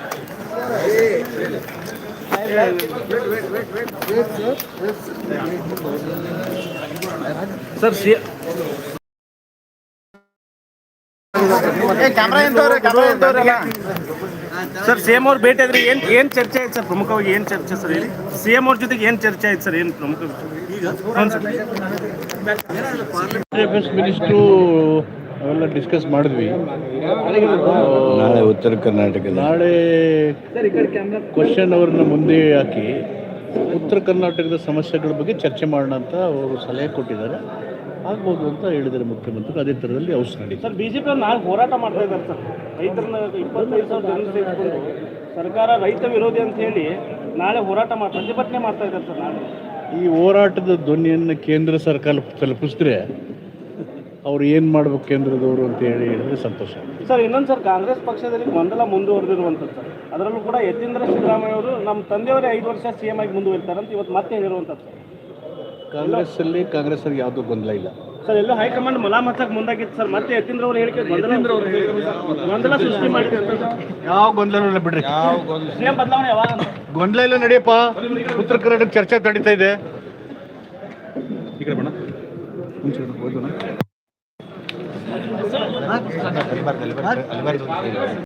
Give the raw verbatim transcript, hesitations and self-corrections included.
Sir C sir C M ಅವ್ರು ಭೇಟಿ ಆದ್ರೆ ಏನು ಏನು ಚರ್ಚೆ ಆಯ್ತು ಸರ್? ಪ್ರಮುಖವಾಗಿ ಏನು ಚರ್ಚೆ ಸರ್ ಹೇಳಿ? ಸಿ ಎಂ ಅವ್ರ ಜೊತೆಗೆ ಏನು ಚರ್ಚೆ ಆಯ್ತು ಸರ್? ಏನು ಪ್ರಮುಖ ಹ್ಞೂ ಸರ್. ಡಿಫೆನ್ಸ್ ಮಿನಿಸ್ಟ್ರು ಅವೆಲ್ಲ ಡಿಸ್ಕಸ್ ಮಾಡಿದ್ವಿ. ನಾಳೆ ಉತ್ತರ ಕರ್ನಾಟಕ ನಾಳೆ ಕ್ವಶನ್ ಅವ್ರನ್ನ ಮುಂದೆ ಹಾಕಿ ಉತ್ತರ ಕರ್ನಾಟಕದ ಸಮಸ್ಯೆಗಳ ಬಗ್ಗೆ ಚರ್ಚೆ ಮಾಡೋಣ ಅಂತ ಅವರು ಸಲಹೆ ಕೊಟ್ಟಿದ್ದಾರೆ. ಆಗ್ಬೋದು ಅಂತ ಹೇಳಿದ್ದಾರೆ ಮುಖ್ಯಮಂತ್ರಿ. ಅದೇ ಥರದಲ್ಲಿ ಔಷಧ ನಡೀತಾರೆ. ಸರ್ ಬಿಜೆಪಿ ಅವ್ರು ನಾಳೆ ಹೋರಾಟ ಮಾಡ್ತಾ ಇದ್ದಾರೆ ಸರ್. ರೈತರನ್ನ ಇಪ್ಪತ್ತೈದು ಸಾವಿರ ಜನ ಸೇರಿಸ್ಕೊಂಡು ಸರ್ಕಾರ ರೈತ ವಿರೋಧಿ ಅಂತ ಹೇಳಿ ನಾಳೆ ಹೋರಾಟ ಮಾಡಿ ಪ್ರತಿಭಟನೆ ಮಾಡ್ತಾ ಇದ್ದಾರೆ ಸರ್. ನಾಳೆ ಈ ಹೋರಾಟದ ಧ್ವನಿಯನ್ನು ಕೇಂದ್ರ ಸರ್ಕಾರ ತಲುಪಿಸಿದ್ರೆ ಅವ್ರು ಏನು ಮಾಡ್ಬೇಕು ಕೇಂದ್ರದವರು ಅಂತ ಹೇಳಿ ಹೇಳಿದ್ರೆ ಸಂತೋಷ. ಸರ್ ಇನ್ನೊಂದು ಸರ್, ಕಾಂಗ್ರೆಸ್ ಪಕ್ಷದಲ್ಲಿ ಗೊಂದಲ ಮುಂದುವರೆದಿರುವಂಥದ್ದು ಸರ್. ಅದರಲ್ಲೂ ಕೂಡ ಯತೀಂದ್ರ ಸಿದ್ದರಾಮಯ್ಯ ಅವರು ನಮ್ಮ ತಂದೆಯವರೇ ಐದು ವರ್ಷ ಸಿ ಎಂ ಆಗಿ ಮುಂದುವರಿತಾರೆ ಅಂತ ಇವತ್ತು ಮತ್ತೆ ಹೇಳಿರುವಂಥದ್ದು ಸರ್. ಕಾಂಗ್ರೆಸ್ಸಲ್ಲಿ ಕಾಂಗ್ರೆಸ್ ಅವ್ರಿಗೆ ಯಾವುದೂ ಗೊಂದಲ ಇಲ್ಲ ಸರ್. ಎಲ್ಲೋ ಹೈಕಮಾಂಡ್ ಮಲಾಮ್ ಹಚ್ಚಕ್ಕೆ ಮುಂದಾಗಿತ್ತು ಸರ್. ಮತ್ತೆ ಯತೀಂದ್ರ ಅವರು ಹೇಳಿಕೆ ಗೊಂದಲ ಸೃಷ್ಟಿ ಮಾಡಿದೆ ಅಂತ. ಯಾವ ಗೊಂದಲ ಇಲ್ಲ ಬಿಡ್ರಿ. ಸಿ ಎಂ ಬದಲಾವಣೆ ಯಾವಾಗ? ಗೊಂದಲ ಇಲ್ಲ, ನಡೆಯಪ್ಪ. ಉತ್ತರ ಕರ್ನಾಟಕ ಚರ್ಚೆ ನಡೀತಾ ಇದೆ. ಈ ಕಡೆ ಬಣ್ಣ